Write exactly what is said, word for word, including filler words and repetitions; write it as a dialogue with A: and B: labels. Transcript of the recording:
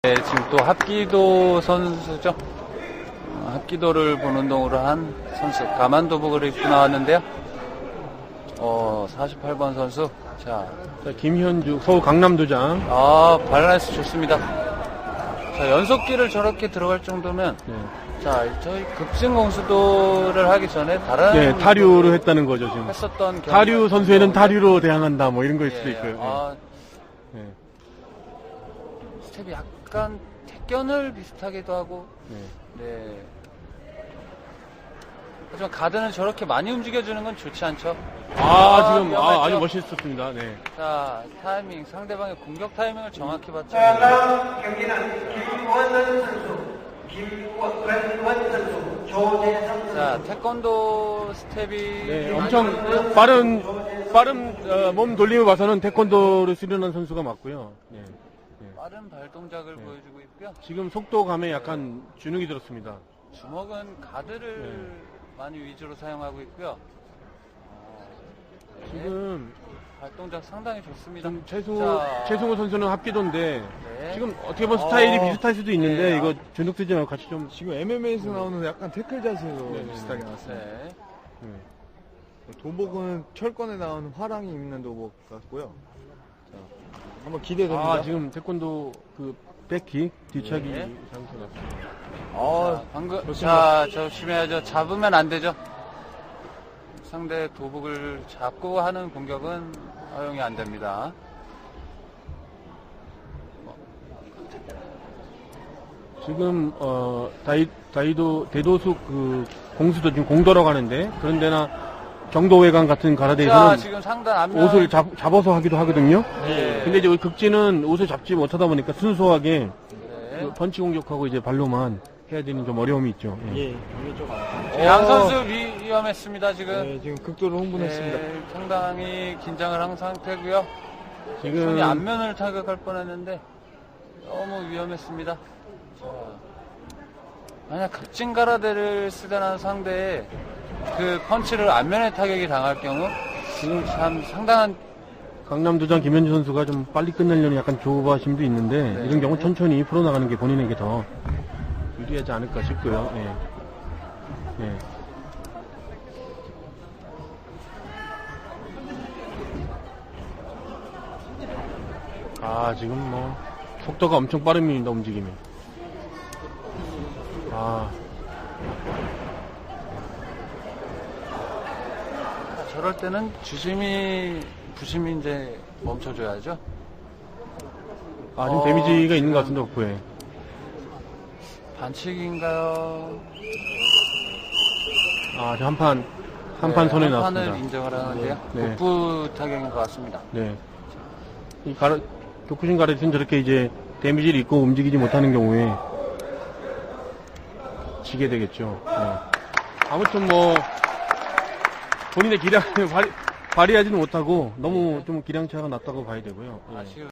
A: 네, 지금 또 합기도 선수죠. 어, 합기도를 보는 동으로 한 선수 가만도복을 입고 나왔는데요. 어, 사십팔 번 선수. 자,
B: 자, 김현주 서울 강남도장.
A: 아, 밸런스 좋습니다. 자, 연속기를 저렇게 들어갈 정도면,
B: 네.
A: 자, 저희 급진 공수도를 하기 전에 다른
B: 네, 타류를 했다는 거죠 지금.
A: 했었던
B: 타류 선수에는 타류로 대항한다 뭐 이런 거일 수도
A: 예,
B: 있고요.
A: 아,
B: 네.
A: 스텝이 약간 택견을 비슷하기도 하고,
B: 네.
A: 네. 하지만 가드는 저렇게 많이 움직여주는 건 좋지 않죠.
B: 아,
A: 아,
B: 지금 아, 아주
A: 위험했죠?
B: 멋있었습니다. 네.
A: 자, 타이밍, 상대방의 공격 타이밍을 정확히 봤죠.
C: 자, 다음 경기는 김원선 선수, 김원선 선수, 조재성 선수.
A: 자, 태권도 스텝이
B: 네,
A: 많이
B: 엄청
A: 좋은데요?
B: 빠른 빠른 어, 몸 돌림을 봐서는 태권도를 수련한 선수가 맞고요. 네. 네.
A: 빠른 발 동작을
B: 네.
A: 보여주고 있고요.
B: 지금 속도감에 약간 주눅이 들었습니다.
A: 주먹은 가드를
B: 네.
A: 많이 위주로 사용하고 있고요. 어, 네.
B: 지금
A: 발 동작 상당히 좋습니다.
B: 좀 최수
A: 자,
B: 최승호 선수는 합기도인데
A: 네.
B: 지금 어떻게 보면 스타일이
A: 어,
B: 비슷할 수도 있는데
A: 네.
B: 이거 주눅 들지 말고 같이 좀
D: 지금 엠엠에이에서 나오는 약간 태클 자세로
B: 네, 네,
D: 비슷하게
B: 네.
D: 나왔습니다.
A: 네.
B: 네.
D: 도복은 철권에 나오는 화랑이 입는 도복 같고요. 자, 한번 기대됩니다.
B: 아 지금 태권도 그 백킥 뒤차기
A: 네.
B: 상태 같습니다.
D: 아,
A: 자, 방금
D: 좋습니다.
A: 자, 조심해야죠. 잡으면 안 되죠. 상대 도복을 잡고 하는 공격은 허용이 안 됩니다.
B: 지금 어 다이 다이도 대도수 그 공수도 지금 공도러 가는데 그런 데나 정도회관 같은
A: 자,
B: 가라데에서는
A: 지금 상단 앞면
B: 옷을 잡, 잡아서 하기도 하거든요.
A: 네.
B: 근데 이제 우리 극진은 옷을 잡지 못하다 보니까 순수하게
A: 네.
B: 그 펀치 공격하고 이제 발로만 해야 되는 좀 어려움이 있죠. 예.
D: 예, 이게 좀.
A: 자, 양 선수 위, 위험했습니다, 지금.
D: 네, 지금 극도로 흥분했습니다.
A: 네, 상당히 긴장을 한 상태고요.
B: 지금
A: 손이 앞면을 타격할 뻔했는데 너무 위험했습니다. 자, 만약 극진 가라데를 쓰던 상대에 그 펀치를 앞면에 타격이 당할 경우 지금 참 상당한
B: 강남도장 김현주 선수가 좀 빨리 끝내려는 약간 조바심도 있는데
A: 네.
B: 이런 경우 천천히 풀어나가는 게 본인에게 더 유리하지 않을까 싶고요. 예. 예. 아 지금 뭐 속도가 엄청 빠릅니다 움직임이. 아
A: 저럴 때는 주심이 부심이 이제 멈춰줘야죠.
B: 아, 지금
A: 어,
B: 데미지가 있는 것
A: 지금
B: 같은데, 복부에.
A: 반칙인가요?
B: 아, 지금 한 판, 한 판 손에
A: 한
B: 나왔습니다.
A: 판을 인정을 하는데요.
B: 네.
A: 복부 타격인 것 같습니다.
B: 네. 이 가라, 교쿠신 가르치는 저렇게 이제 데미지를 입고 움직이지 못하는 경우에 지게 되겠죠. 네. 아무튼 뭐, 본인의 기량을 발휘, 발휘하지는 못하고 너무 좀 기량차가 낮다고 봐야 되고요. 예.
A: 아쉬운